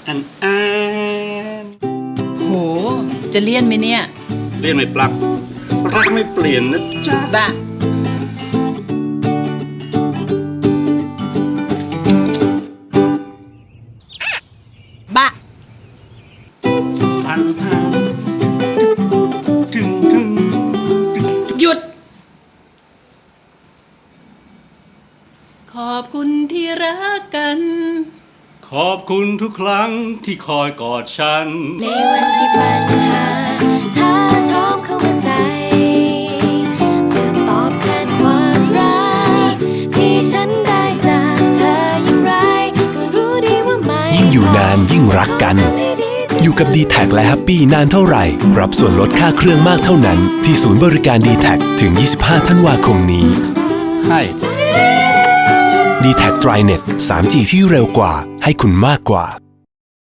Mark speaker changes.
Speaker 1: อัน
Speaker 2: โหจะเลี่ยนไหมเนี่ย
Speaker 1: เลี่ยนไม่ปลักรักไม่เปลี่ยนนะจ๊ะ
Speaker 2: บ้าบ้า
Speaker 1: พันถึง
Speaker 2: หยุดขอบคุณที่รักกัน
Speaker 1: ขอบคุณทุกครั้งที่คอยกอดฉัน
Speaker 3: ในวันที่ปัญหาท้าทอมเข้ามาใส่จะตอบแทนความรักที่ฉันได้จากเธออย่างไรก็รู้ดีว่าไม่
Speaker 4: ยิ่งอยู่นานยิ่งรักกันอยู่กับ D-Tag และ Happy นานเท่าไหร่รับส่วนลดค่าเครื่องมากเท่านั้นที่ศูนย์บริการ D-Tag ถึง 25 ธันวาคมนี้
Speaker 1: ให้
Speaker 4: D-Tag TriNet 3G ที่เร็วกว่าให้คุณมากกว่า